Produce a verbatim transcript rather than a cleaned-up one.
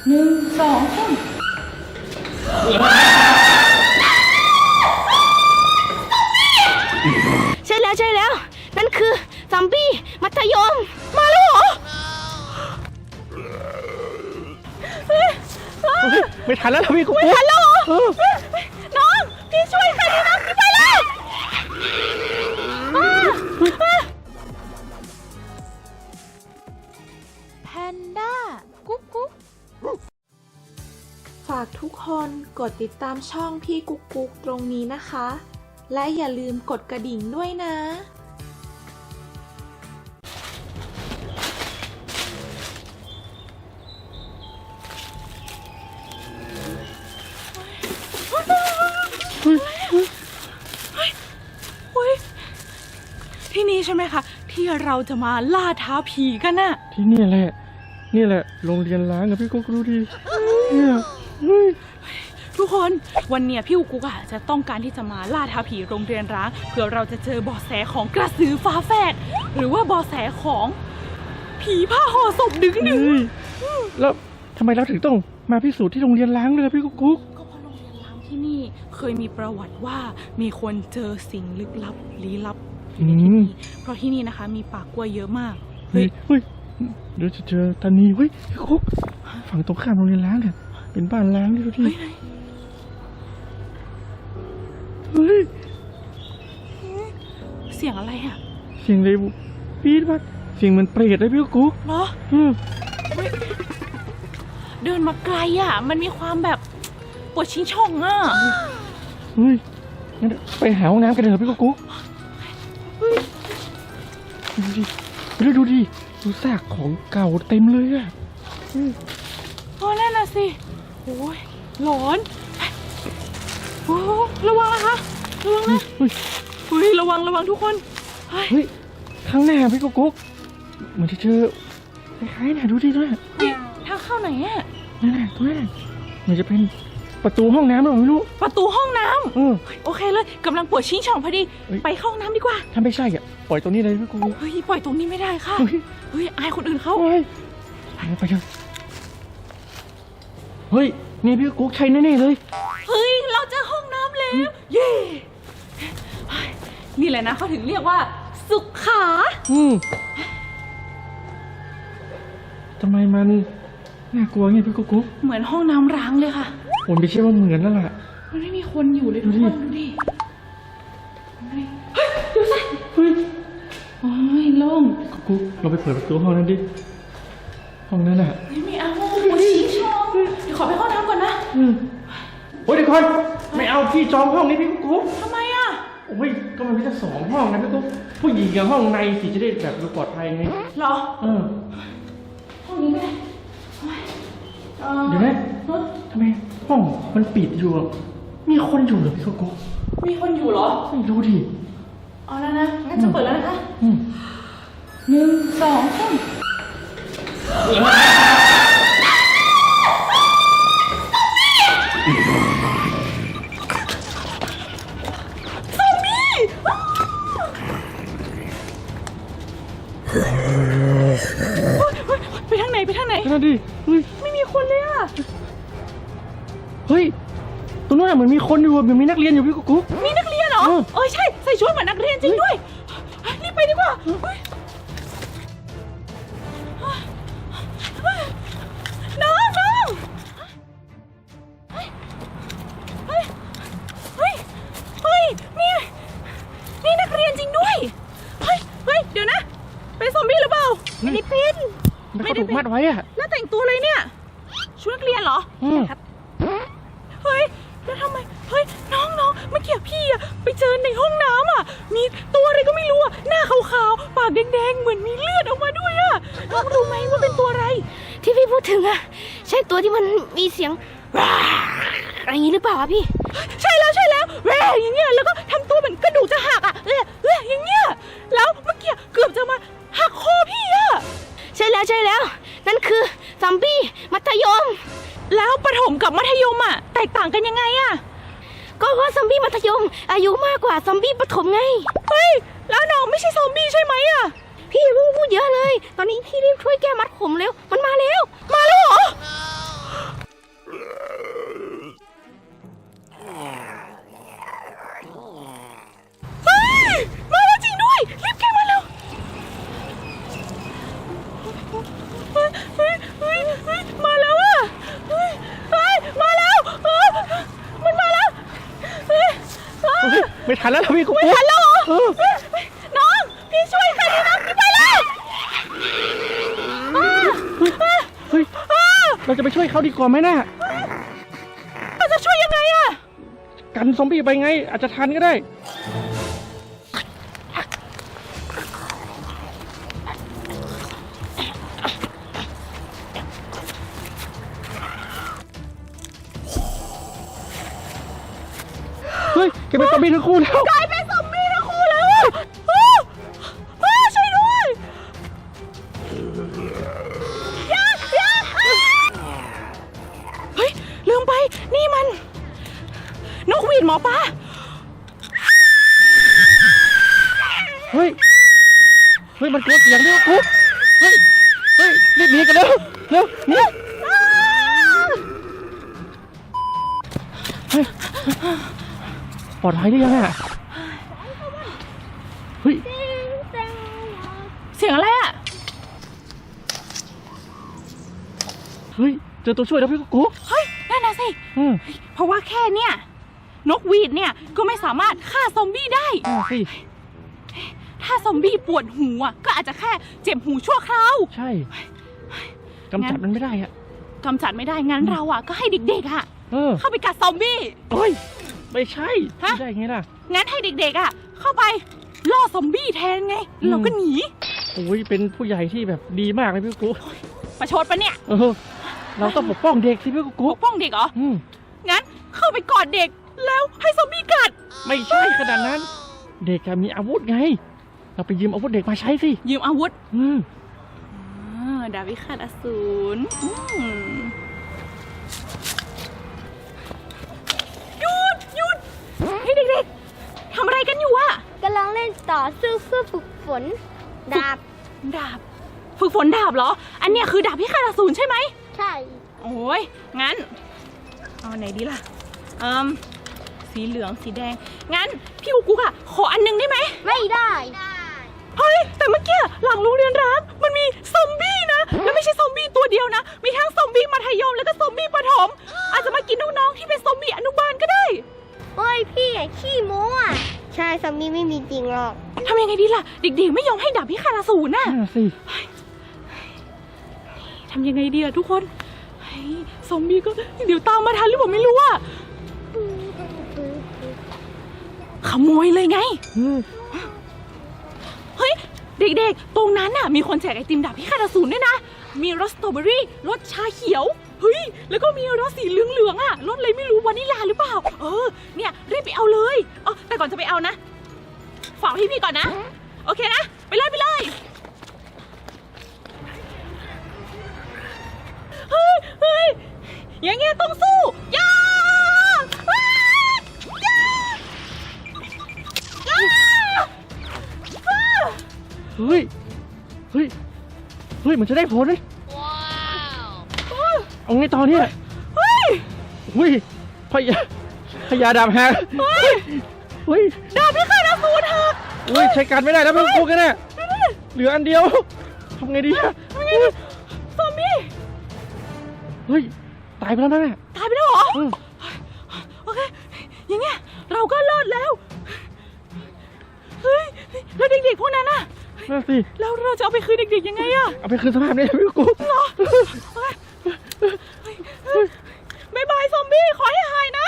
หนึ่งสองสามใช่แล้วใช่แล้วนั่นคือซอมบี้มัธยมมาแล้วเหรอไม่ทันแล้วพี่กุ๊กไม่ทันแล้วเหรอน้องพี่ช่วยค่ะน้องพี่ไปแล้วแพนด้ากุ๊กกุ๊กฝากทุกคนกดติดตามช่องพี่กุ๊กกุ๊กตรงนี้นะคะ และอย่าลืมกดกระดิ่งด้วยนะที่นี่ใช่ไหมคะที่เราจะมาล่าท้าผีกันน่ะที่นี่แหละนี่แหละโรงเรียนล้างกับพี่กุ๊กดูดิเนี่ยทุกคนวันเนี้ยพี่กุ๊กอะจะต้องการที่จะมาล่าท้าผีโรงเรียนร้างเพื่อเราจะเจอเบาะแสของกระสือฟ้าแฝดหรือว่าเบาะแสของผีผ้าห่อศพดึงดึงแล้วทำไมเราถึงต้องมาพิสูจน์ที่โรงเรียนล้างเลยพี่กุ๊กก็เพราะโรงเรียนล้างที่นี่เคยมีประวัติว่ามีคนเจอสิ่งลึกลับลี้ลับที่นี่เพราะที่นี่นะคะมีป่ากล้วยเยอะมากเฮ้ยเฮ้ยเดี๋ยวจะเจอตานีเฮ้ยพี่กุ๊กฝั่งตรงข้ามโรงเรียนล้างเนี่ยเป็นบ้านล้างดิดูดิเฮ้ยเสียงอะไรอ่ะเสียงเลยปี๊ดมากเสียงเหมือนเปรตเลยพี่กุ๊กเหรอเดินมาไกลอ่ะมันมีความแบบปวดชิ้นช่องอ่ะเฮ้ยงั้นไปหาห้องน้ำกันเถอะพี่กุ๊กดูดิดูดูดิดูซากของเก่าเต็มเลยอ่ะโอ้นั่นน่ะสิโอ้ยหลอนโอ้ระวังนะคะระวังนะเฮ้ยระวังระวังทุกคนเฮ้ยข้างหน้าพี่กุ๊กเหมือนจะเจอคล้ายๆน่ะดูดิด้วยทางเข้าไหนอ่ะนั่นน่ะตรงนั้นเหมือนจะเป็นประตูห้องน้ำหรือเปล่าไม่รู้ประตูห้องน้ำเออโอเคเลยกำลังปวดชิ้นช่องพอดีไปเข้าห้องน้ำดีกว่าถ้าไม่ใช่อ่ะปล่อยตรงนี้เลยพี่กุ๊กเฮ้ยปล่อยตรงนี้ไม่ได้ค่ะเฮ้ยอายคนอื่นเขาไปไปเถอะเฮ้ยนี่พี่กุ๊กใช่แน่ๆเลยเฮ้ยเราเจอห้องน้ำแล้วเย่นี่แหละนะเขาถึงเรียกว่าสุขาอืมทำไมมันน่ากลัวไงพี่กุ๊กเหมือนห้องน้ำร้างเลยค่ะผมไม่เชื่อว่าเหมือนแล้วล่ะมันไม่มีคนอยู่เลยทุกคนดูดิเฮ้ยดูสิเฮ้ยโอ้ยโล่งกุ๊กเราไปเปิดประตูห้องนั้นดิห้องนั้นอ่ะไม่เอาปวดชี้ช่องเดี๋ยวขอไปห้องน้ำก่อนนะอืมโอ้ยเดี๋ยวก่อนไม่เอาพี่จองห้องนี้พี่กุ๊กทำไมอ่ะโอ้ยก็มันมีแค่สองห้องนะพี่กุ๊กผู้หญิงกับห้องในสิจะได้แบบดูปลอดภัยไงเหรอเออห้องนี้ไหมเดี๋ยวนะทำไมห้องมันปิดอยู่มีคนอยู่เหรอพี่กุ๊กมีคนอยู่เหรอไม่รู้ดิเอาแล้วนะงั้นจะเปิดแล้วนะคะหนึ่งสองสามซอมบี้ไปทางไหนไปทางไหนนั่นดิเฮ้ยไม่มีคนเลยอ่ะเฮ้ยตรงนั้นเหมือนมีคนอยู่เหมือนมีนักเรียนอยู่พี่กุ๊กมีนักเรียนเหรอเออใช่ใส่ชุดเหมือนนักเรียนจริงด้วยรีบไปดีกว่าน้องน้องเฮ้ยเฮ้ยเฮ้ยเฮ้ยมีมีนักเรียนจริงด้วยเฮ้ยเฮ้ยเดี๋ยวนะเป็นซอมบี้หรือเปล่าไม่ได้เป็นไม่ได้ถูกมัดไว้อะแล้วแต่งตัวเลยเนี่ยชุดนักเรียนเหรอครับเฮ้ยแล้วทำไมเฮ้ยน้องน้องเมื่อกี้พี่อะไปเจอในห้องน้ำอะมีตัวอะไรก็ไม่รู้อะหน้าขาวๆปากแดงๆเหมือนมีเลือดออกมาด้วยอะน้องรู้ไหมว่าเป็นตัวอะไรที่พี่พูดถึงอะใช่ตัวที่มันมีเสียงอะไรอย่างนี้หรือเปล่าพี่ใช่แล้วใช่แล้วแหวอย่างเงี้ยแล้วก็ทำตัวเหมือนกระดูกจะหักอะเออเอออย่างเงี้ยแล้วเมื่อกี้เกือบจะมาหักคอพี่อะใช่แล้วใช่แล้วนั่นคือซอมบี้มัธยมแล้วประถมกับมัธยมอ่ะแตกต่างกันยังไงอ่ะก็เพราะซอมบี้มัธยมอายุมากกว่าซอมบี้ประถมไงเฮ้ยแล้วน้องไม่ใช่ซอมบี้ใช่ไหมอ่ะพี่เพิ่งพูดเยอะเลยตอนนี้พี่รีบช่วยแก้มัดผมเร็วมันมาแล้วมาแล้วเหรอไม่ทันแล้วพี่กุ๊กไม่ทันแล้วเหรอเออน้องพี่ช่วยกันนะพี่ไปแล้วอ่าอ่าเฮ้ยอ่าเราจะไปช่วยเขาดีกว่าไหมน่ะเราจะช่วยยังไงอะกันซอมบี้ไปไง อาจจะทันก็ได้ เฮ้ยแกเป็นซอมบี้ทั้งคู่แล้วกลายเป็นซอมบี้ทั้งคู่แล้วอะอ้าอ้าช่วยด้วยอย่าอย่าอ่าเฮ้ยลืมไปนี่มันนกหวีดหมอปลาเฮ้ย เฮ้ย มันกลัวเสียงด้วยกุ๊กเฮ้ย เฮ้ย รีบหนีกันเร็ว เร็วหนีเฮ้ย ปลอดภัยหรือยังอ่ะ เฮ้ยเสียงอะไรอะเฮ้ย เจอตัวช่วยแล้วพี่กุ๊กเฮ้ยนั่นน่ะสิอืมเพราะว่าแค่เนี่ยนกหวีดเนี่ยก็ไม่สามารถฆ่าซอมบี้ได้อ่าสิถ้าซอมบี้ปวดหูอ่ะก็อาจจะแค่เจ็บหูชั่วคราวใช่กำจัดมันไม่ได้อ่ะกำจัดไม่ได้งั้นเราอ่ะก็ให้เด็กๆอ่ะเออเข้าไปกัดซอมบี้เฮ้ย ไม่ใช่ฮะไม่ได้ไงล่ะงั้นให้เด็กๆอ่ะเข้าไปล่อซอมบี้แทนไงแล้วเราก็หนีโอ้ย เป็นผู้ใหญ่ที่แบบดีมากเลยพี่กุ๊กประชดปะเนี่ยเออ เราต้องปกป้องเด็กสิพี่ปกุ๊กกป้องเด็กเหรออืมงั้นเข้าไปกอดเด็กแล้วให้ซอมบี้กัดไม่ใช่ขนาดนั้น เด็กจะมีอาวุธไง เราไปยืมอาวุธเด็กมาใช้สิยืมอาวุธอืมอ่าดาบพิฆาตอสูรอืมหยุดหยุดให้เด็กๆทำอะไรกันอยู่อะกำลังเล่นต่อสู้เพื่อฝึกฝน ดาบดาบ ฝึกฝนดาบเหรอ อันเนี้ยคือดาบพิฆาตอสูรใช่ไหมใช่โอ้ย งั้น เอาไหนดีล่ะอืมสีเหลือง สีแดง งั้น พี่กุ๊กกุ๊กอะขออันหนึงได้ไหมไม่ได้เฮ้ย แต่เมื่อกี้หลังโรงเรียนร้างมันมีซอมบี้นะ แล้วไม่ใช่ซอมบี้ตัวเดียวนะ มีทั้งซอมบี้มัธยมแล้วก็ซอมบี้ประถม อาจจะมากินน้องๆที่เป็นซอมบี้อนุบาลก็ได้โอ้ยพี่อะขี้โม้อะใช่ซอมบี้ไม่มีจริงหรอกทำยังไงดีล่ะ เด็กๆไม่ยอมให้ดาบพิฆาตอสูรน่ะน่าสิทำยังไงดีล่ะทุกคนเฮ้ยซอมบี้ก็เดี๋ยวตามมาทันหรือเปล่าไม่รู้อะขโมยเลยไงอืมเฮ้ย เด็กๆ ตรงนั้นน่ะมีคนแจกไอติมดาบพิฆาตอสูรด้วยนะ มีรสสตรอเบอรี่รสชาเขียว เฮ้ย แล้วก็มีรสสีเหลืองๆอ่ะรสอะไรไม่รู้วานิลลาหรือเปล่า เออ เนี่ยรีบไปเอาเลยอ๋อแต่ก่อนจะไปเอานะ ฝากพี่พี่ก่อนนะ โอเคนะ ไปเลยไปเลย เฮ้ยเฮ้ยอย่างเงี้ยต้องสู้ย่าอ้าย่าย่าอ้าเฮ้ย เฮ้ย เฮ้ย มันจะได้ผลเลยเอาไงต่อเนี่ยเฮ้ยเฮ้ยพยาพยาดาบหักเฮ้ยเฮ้ยดาบพิฆาตอสูรหักเฮ้ย ใช้การไม่ได้แล้วพี่กุ๊กกันแน่เหลืออันเดียวทำไงดีอะทำไงดีซอมบี้เฮ้ย ตายไปแล้วนะเนี่ยตายไปแล้วเหรออืมโอเค อย่างเงี้ยเราก็รอดแล้ว เฮ้ย แล้วเด็กๆพวกนั้นน่ะน่าสิแล้วเราจะเอาไปคืนเด็กๆยังไงอะเอาไปคืนสภาพเนี่ยพี่กุ๊กเหรอ บ๊ายบายซอมบี้ ขอให้หายนะ